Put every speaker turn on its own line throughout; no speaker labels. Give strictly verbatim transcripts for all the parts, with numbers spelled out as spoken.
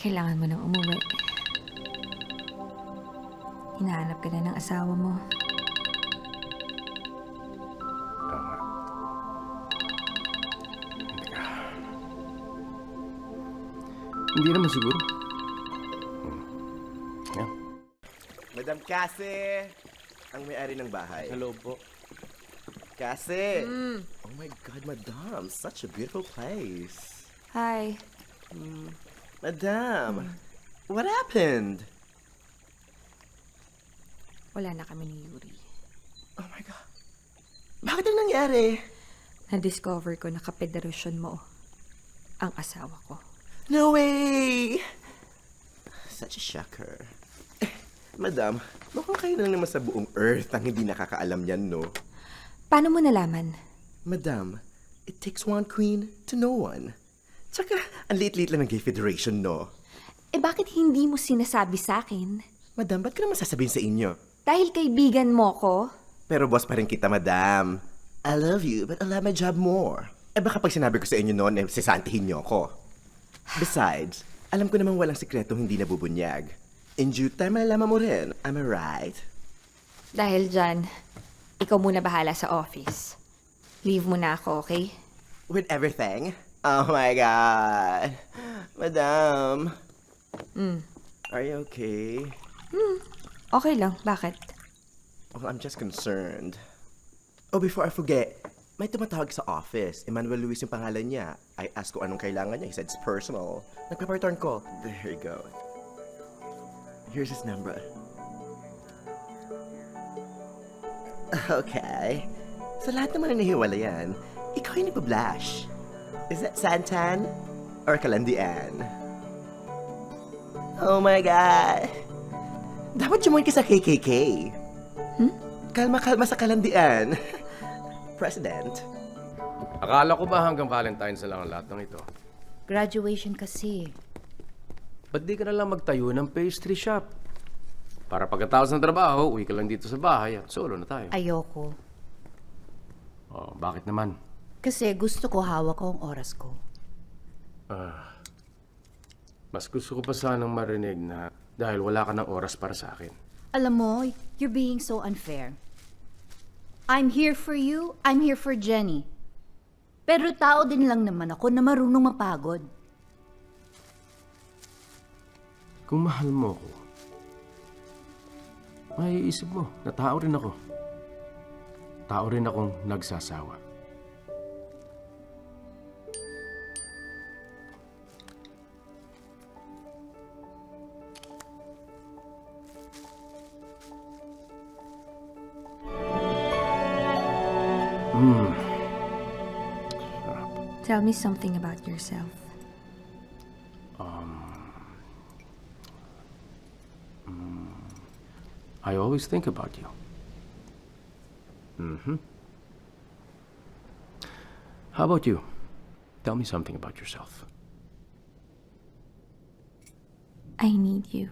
Kailangan mo nang umuwi. Hinahanap ka na ng asawa mo.
Tama. Teka. Hindi naman siguro. Hmm. Yan.
Madam Cassie! Ang may-ari ng bahay.
Hello po.
Cassie! Oh my God, Madam. Such a beautiful place.
Hi.
Madam, what happened?
Wala na kami ni Yuri.
Oh my God. Bakit ang nangyari?
Na-discover ko na kapederasyon mo ang asawa ko.
No way! Such a shocker. Eh, Madam, mukhang kayo lang naman sa buong Earth ang hindi nakakaalam yan, no?
Paano mo nalaman?
Madam, it takes one queen to know one. Tsaka, ang liit-liit lang ng Gay Federation, no?
Eh bakit hindi mo sinasabi sa akin?
Madam, ba't ko naman sasabihin sa inyo?
Dahil kaibigan mo ko?
Pero boss pa rin kita, madam. I love you, but I love my job more. Eh baka pag sinabi ko sa inyo noon, eh, sisantihin niyo ako. Besides, alam ko namang walang sikretong hindi nabubunyag. In due time, malalaman mo rin. Am I right?
Dahil dyan, ikaw muna bahala sa office. Leave mo na ako, okay?
With everything? Oh my God. Madam.
Mm.
Are you okay?
Okay lang. Bakit?
Well, I'm just concerned. Oh, before I forget, may tumatawag sa office. Emmanuel Luis yung pangalan niya. I asked ko anong kailangan niya. He said it's personal. Nagpa-return call. There you go. Here's his number. Okay. Sa lahat naman na nahiwala yan, ikaw yung nagpa-blush. Is that Santan or Kalandian? Oh my God! Dapat jumuin ka sa K K K.
Hmm?
Kalma-kalma sa Kalandian. President.
Akala ko ba hanggang Valentine's na lang ang lahat ng ito?
Graduation kasi.
Ba't di ka na lang magtayo ng pastry shop? Para pagkatapos ng trabaho, uwi ka lang dito sa bahay at solo na tayo.
Ayoko.
Oh, bakit naman?
Kasi gusto ko hawak ko ang oras ko.
Ah, mas gusto ko pa sanang marinig na dahil wala ka ng oras para sa akin.
Alam mo, you're being so unfair. I'm here for you, I'm here for Jenny. Pero tao din lang naman ako na marunong mapagod.
Kung mahal mo ako, maiisip mo na tao rin ako. Tao rin akong nagsasawa. Hmm.
Tell me something about yourself.
I always think about you. Mm-hmm. How about you? Tell me something about yourself.
I need you.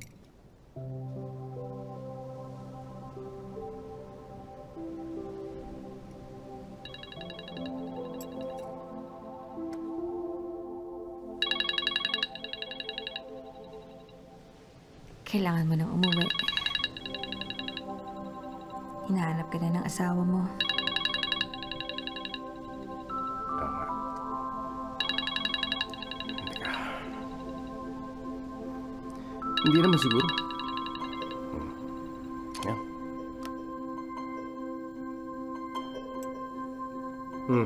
Kailangan mo nang umuwi. Hinahanap ka na ng asawa mo.
Tama. Teka. Hindi naman siguro. Hmm. Yan. Hmm.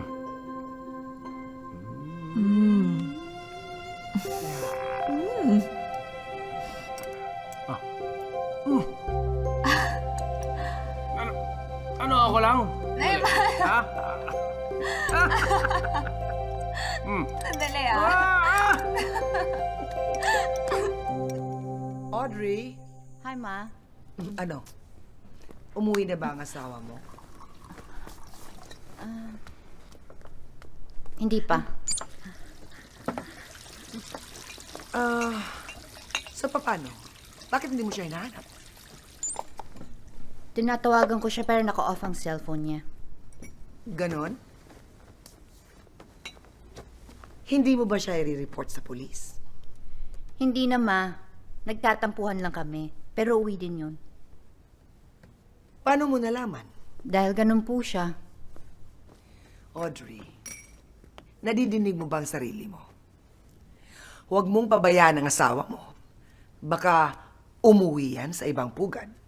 Mm.
Ah. Hmm. Ano? Ano ako lang? Ha? Hmm.
Sandali ah.
Ah!
Audrey,
Hi, Ma.
ano? Umuwi na ba ang asawa mo?
Hindi pa.
Ah, sa paano? Bakit hindi mo siya hinahanap?
Tinatawagan ko siya pero naka-off ang cellphone niya.
Ganon? Hindi mo ba siya i-report sa pulis?
Hindi na, ma. Nagtatampuhan lang kami. Pero uwi din yun.
Paano mo nalaman?
Dahil ganun po siya.
Audrey, nadidinig mo ba ang sarili mo? Huwag mong pabayaan ang asawa mo. Baka umuwi yan sa ibang pugad.